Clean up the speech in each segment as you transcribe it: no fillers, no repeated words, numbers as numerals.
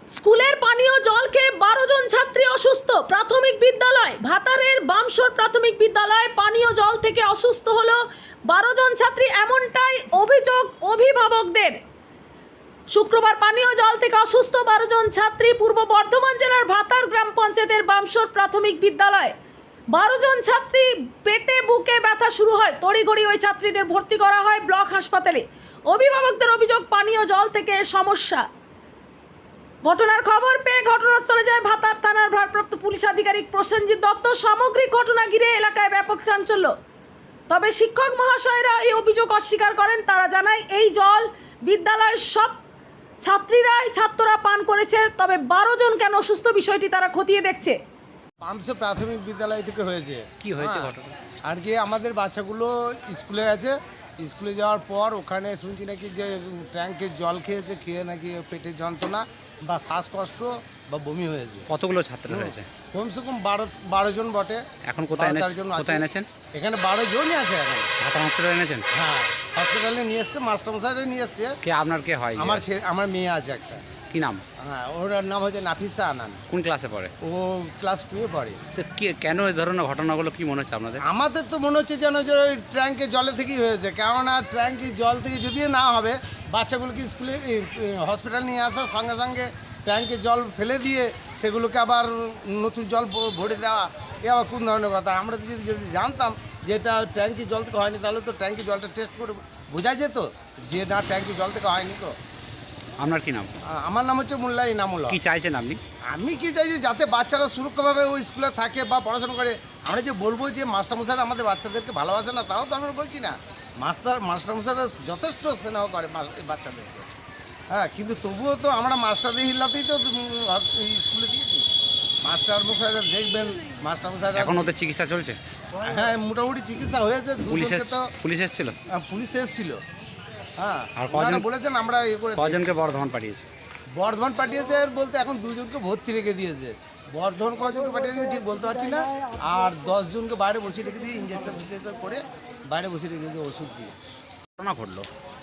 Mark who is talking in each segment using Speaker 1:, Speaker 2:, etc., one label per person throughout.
Speaker 1: স্কুলের পানীয় জল খেয়ে 12 জন ছাত্রী অসুস্থ। প্রাথমিক বিদ্যালয় ভাতারের বামসর প্রাথমিক বিদ্যালয় পানীয় জল থেকে অসুস্থ হলো 12 জন ছাত্রী, এমনটাই অভিযোগ অভিভাবকদের। শুক্রবার পানীয় জল থেকে অসুস্থ 12 জন ছাত্রী পূর্ব বর্ধমান জেলার ভাতার গ্রাম পঞ্চায়েতের বামসর প্রাথমিক বিদ্যালয়। 12 জন ছাত্রী পেটে বুকে ব্যথা শুরু হয়, তড়িঘড়ি ওই ছাত্রীদের ভর্তি করা হয় ব্লক হাসপাতালে। অভিভাবকদের অভিযোগ পানীয় জল থেকে সমস্যা। ঘটনার খবর পেয়ে ঘটনাস্থলে যায় ভাতার থানার ভারপ্রাপ্ত পুলিশ আধিকারিক প্রসেনজিৎ দত্ত। সামগ্রিক ঘটনা ঘিরে এলাকায় ব্যাপক চাঞ্চল্য। তবে শিক্ষক মহাশয়রা এই অভিযোগ অস্বীকার করেন। তারা জানায় এই জল বিদ্যালয়ের সব ছাত্ররা পান করেছে, তবে 12 জন কেন অসুস্থ বিষয়টি তারা খতিয়ে দেখছে।
Speaker 2: বামসর প্রাথমিক বিদ্যালয় থেকে হয়েছে।
Speaker 3: কি হয়েছে ঘটনা?
Speaker 2: আর কি আমাদের বাচ্চাগুলো স্কুলে গেছে, স্কুলে যাওয়ার পর ওখানে শুনছি নাকি যে ট্যাঙ্কের জল খেয়েছে, খেয়ে নাকি পেটের যন্ত্রণা বা শ্বাসকষ্ট বা বমি হয়েছে।
Speaker 3: কতগুলো ছাত্র হয়েছে?
Speaker 2: কমসে কম 12 জন বটে।
Speaker 3: এখন কোথায়
Speaker 2: 12 জন আছে।
Speaker 3: কোথায় এনেছেন?
Speaker 2: এখানে 12 জনই আছে এখন।
Speaker 3: ভাতার হসপিটালে এনেছেন?
Speaker 2: হ্যাঁ, হসপিটালে নিয়ে এসছে, মাস্টারমশাইরা নিয়ে এসছে।
Speaker 3: কে আপনার কে হয়?
Speaker 2: আমার মেয়ে আছে একটা।
Speaker 3: কি নাম?
Speaker 2: হ্যাঁ, ওর নাম হচ্ছে নাফিসা আনান।
Speaker 3: কোন ক্লাসে পড়ে?
Speaker 2: ও ক্লাস 2 এ পড়ে।
Speaker 3: তো কেন এই ধরনের ঘটনাগুলো কি মনে হচ্ছে আপনাদের?
Speaker 2: আমাদের তো মনে হচ্ছে যেন যে ওই ট্যাঙ্কের জলে থেকেই হয়েছে, কেননা ট্যাঙ্কের জল থেকে যদি না হবে বাচ্চাগুলোকে স্কুলে হসপিটাল নিয়ে আসার সঙ্গে সঙ্গে ট্যাঙ্কের জল ফেলে দিয়ে সেগুলোকে আবার নতুন জল ভরে দেওয়া, এ আবার কোন ধরনের কথা। আমরা যদি জানতাম যে এটা ট্যাঙ্কির জল থেকে হয়নি, তাহলে তো ট্যাঙ্কির জলটা টেস্ট করে বোঝা যেত যে না ট্যাঙ্কির জল থেকে হয়নি। তো
Speaker 3: আপনার কি নাম?
Speaker 2: আমার নাম হচ্ছে মোল্লা ইনামুল হক।
Speaker 3: কি চাইছেন আপনি?
Speaker 2: আমি কি চাইছি যাতে বাচ্চারা সুরক্ষাভাবে ওই স্কুলে থাকে বা পড়াশোনা করে। আমরা যে বলবো যে মাস্টারমশাইরা আমাদের বাচ্চাদেরকে ভালোবাসে না, তাও তো আমরা বলছি না। মাস্টারমশাইরা যথেষ্ট স্নেহ করে বাচ্চাদেরকে। হ্যাঁ, কিন্তু তবুও তো আমরা মাস্টারদের হিল্লাতেই তো স্কুলে দিয়েছি। মাস্টারমশাইরা দেখবেন, মাস্টারমশাইরা
Speaker 3: এখন ওদের চিকিৎসা চলছে?
Speaker 2: হ্যাঁ, মোটামুটি চিকিৎসা হয়েছে।
Speaker 3: পুলিশ এসেছিল?
Speaker 2: পুলিশ এসেছিল। হ্যাঁ,
Speaker 3: আর কজন
Speaker 2: বলেছেন আমরা
Speaker 3: কজনকে বর্ধমান পাঠিয়েছি?
Speaker 2: বর্ধমান পাঠিয়েছে বলতে এখন 2 জনকে ভর্তি রেখে দিয়েছে। বর্ধমান কজনকে পাঠিয়েছে ঠিক বলতে পারছি না। আর 10 জনকে বাইরে বসিয়ে রেখে দিয়ে ইঞ্জেকশন করে বাইরে বসিয়ে রেখে দিয়ে ওষুধ দিয়ে।
Speaker 3: ঘটনা ঘটলো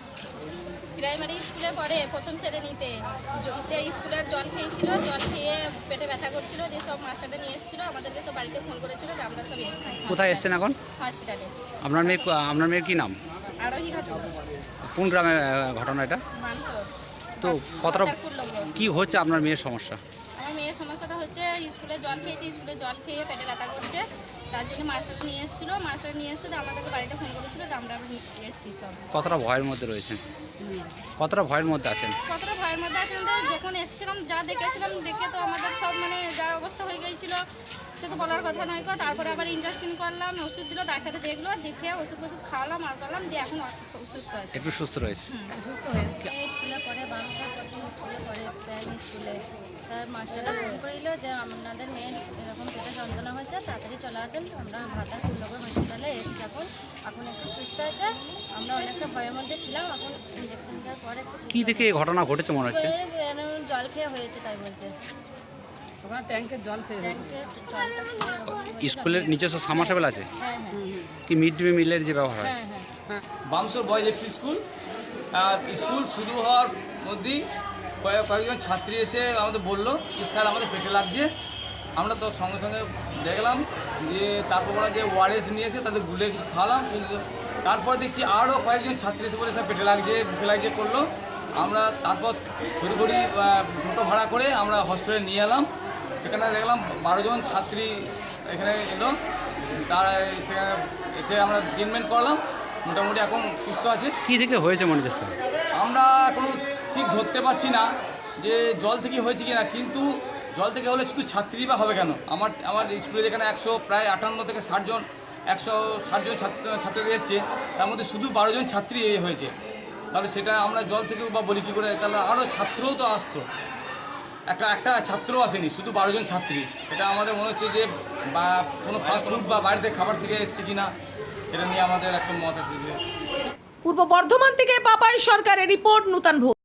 Speaker 4: প্রাইমারি স্কুলে পড়ে, প্রথম শ্রেণীতে। স্কুলের জল খেয়েছিল, জল খেয়ে পেটে ব্যথা করছিল, দিয়ে সব মাস্টারটা নিয়ে এসেছিলো, আমাদেরকে সব বাড়িতে ফোন করেছিল, আমরা সব এসেছি।
Speaker 3: কোথায় এসছেন এখন?
Speaker 4: হসপিটালে।
Speaker 3: আপনার মেয়ের কি নাম?
Speaker 4: আরোহী খাতুন।
Speaker 3: কোন গ্রামে ঘটনা এটা?
Speaker 4: মানসর।
Speaker 3: তো কতটা
Speaker 4: লোক
Speaker 3: কি হচ্ছে আপনার মেয়ের সমস্যা?
Speaker 4: আমার মেয়ের সমস্যাটা হচ্ছে স্কুলে জল খেয়েছে, স্কুলে জল খেয়ে পেটে ব্যথা করছে, তার জন্য মাস্টার নিয়ে এসেছিলো, আমাদেরকে বাড়িতে ফোন করেছিল, তো আমরা এসেছি সব।
Speaker 3: কতটা ভয়ের মধ্যে রয়েছেন? কতটা ভয়ের মধ্যে আছেন?
Speaker 4: কতটা ভয়ের মধ্যে আছে আমাদের, যখন এসেছিলাম যা দেখেছিলাম, দেখে তো আমাদের সব যা অবস্থা হয়ে গিয়েছিল সে তো বলার কথা নয়। তারপরে আবার ইঞ্জেকশন করলাম, ওষুধ দিল, ডাক্তারে দেখলো, দেখে ওষুধ খাওয়ালাম আর করলাম, দিয়ে এখন সুস্থ আছে,
Speaker 3: একটু সুস্থ রয়েছে।
Speaker 4: সুস্থ হয়েছে।
Speaker 5: স্কুলে পড়ে, বামসর প্রথম স্কুলে পড়ে, প্রাইমারি স্কুলে। তার মাস্টারটা ফোন করিল যে আপনাদের মেয়ের এরকম পেটে যন্ত্রণা হচ্ছে, তাড়াতাড়ি চলে আসেন। আমরা ভাতার ফুলনগর হসপিটালে এসেছি। এখন একটু সুস্থ আছে। আমরা অনেকটা ভয়ের মধ্যে ছিলাম, এখন ইঞ্জেকশন দেওয়ার পরে একটু সুস্থ।
Speaker 3: কি থেকে এই ঘটনা ঘটেছে মনে হচ্ছে?
Speaker 5: জল খেয়ে হয়েছে তাই বলছে।
Speaker 4: ট্যাঙ্কের জল খেয়ে
Speaker 3: স্কুলের নিজস্ব সাবমার্সিবল আছে?
Speaker 5: হ্যাঁ হ্যাঁ
Speaker 3: কি মিড ডে মিলের যে ব্যবহার হয়?
Speaker 5: হ্যাঁ হ্যাঁ।
Speaker 6: বামসর বয়েজ এফপি স্কুল। স্কুল শুরু হওয়ার মধ্যেই কয়েকজন ছাত্রী এসে আমাদের বললো যে স্যার আমাদের পেটে লাগছে। আমরা তো সঙ্গে সঙ্গে দেখলাম যে তারপর ওরা যে ওআরএস নিয়ে এসে তাদের গুলে কিছু খাওয়ালাম। তারপর দেখছি আরও কয়েকজন ছাত্রী এসে বলে স্যার পেটে লাগছে, বুকে লাগছে করলো। আমরা তারপর তড়িঘড়ি টোটো ভাড়া করে আমরা হসপিটালে নিয়ে এলাম। সেখানে দেখলাম 12 জন ছাত্রী এখানে এলো। তারা সেখানে এসে আমরা ট্রিটমেন্ট করলাম, মোটামুটি এখন সুস্থ আছে।
Speaker 3: কি থেকে হয়েছে মনে হচ্ছে স্যার?
Speaker 6: আমরা এখনও ঠিক ধরতে পারছি না যে জল থেকে হয়েছে কি না, কিন্তু জল থেকে হলে শুধু ছাত্রী বা হবে কেন? আমার স্কুলে যেখানে প্রায় 58 থেকে 160 জন ছাত্রীদের এসছে, তার মধ্যে শুধু 12 জন ছাত্রী হয়েছে। তাহলে সেটা আমরা জল থেকেও বা বলি কী করে? তাহলে আরও ছাত্রও তো আসতো, একটা ছাত্রও আসেনি, শুধু 12 জন ছাত্রী। এটা আমাদের মনে হচ্ছে যে বা কোনো ফাস্টফুড বা বাড়িতে খাবার থেকে এসছে কিনা, এটা নিয়ে আমাদের একটা মত আছে।
Speaker 1: পূর্ব বর্ধমান থেকে পাপাই সরকারের রিপোর্ট, নূতন ভোগ।